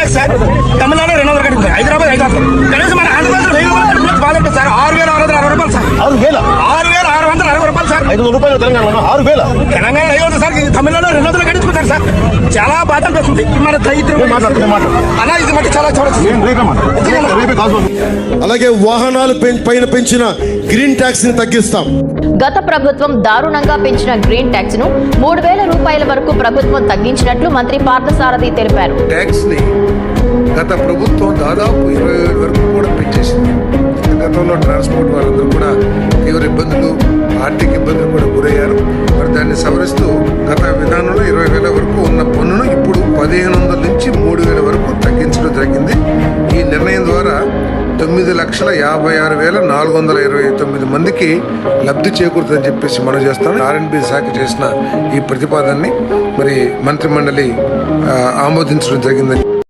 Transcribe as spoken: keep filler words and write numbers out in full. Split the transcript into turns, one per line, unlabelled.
Tax sir. Tamil Nadu రెండు వందలు కట్టింది, హైదరాబాద్ ఐదు వందలు, కనీసం మన ఆంధ్రప్రదేశ్ వెయ్యి రూపాయలు బాగుంటుంది సార్. ఆరు వేల ఆరు వందల అరవై రూపాయలు సార్.
ఆరు వేల
ఆరు వేల ఆరు వందల అరవై రూపాయలు సార్.
ఐదు వందల రూపాయలు తెలంగాణ ఆరు వేల
తెలంగాణ ఐదు వందలు సార్. తమిళనాడు రెండు వందలు కట్టించుకుంటారు సార్. చాలా బాధ అనిపిస్తుంది మన దైత్యం అలా. ఇది మట్టి చాలా చూడొచ్చు.
అలాగే వాహనాలు పైన పెంచిన గ్రీన్ ట్యాక్స్ ని తగ్గిస్తాం.
గత ప్రభుత్వం దారుణంగా పెంచిన గ్రీన్ ట్యాక్స్ ను మూడు వేల రూపాయల వరకు ప్రభుత్వం తగ్గించినట్లు మంత్రి పార్థసారథి తెలిపారు.
ట్యాక్స్ ని గత ప్రభుత్వం దాదాపు ఇరవై వేల వరకు కూడా పెంచేసింది. గతంలో ట్రాన్స్పోర్ట్ వాళ్ళందరూ కూడా తీవ్ర ఇబ్బందులు, ఆర్థిక ఇబ్బందులు కూడా గురయ్యారు. మరి దాన్ని సవరిస్తూ గత విధానంలో ఇరవై వేల వరకు ఉన్న పన్నును ఇప్పుడు పదిహేను వందల నుంచి మూడు వేల వరకు తగ్గించడం జరిగింది. ఈ నిర్ణయం ద్వారా తొమ్మిది లక్షల యాభై ఆరు వేల నాలుగు వందల ఇరవై తొమ్మిది మందికి లబ్ధి చేకూరుతుందని చెప్పేసి మనం చేస్తాం. ఆర్ఎండ్బి శాఖ చేసిన ఈ ప్రతిపాదనని మరి మంత్రి మండలి ఆమోదించడం జరిగిందని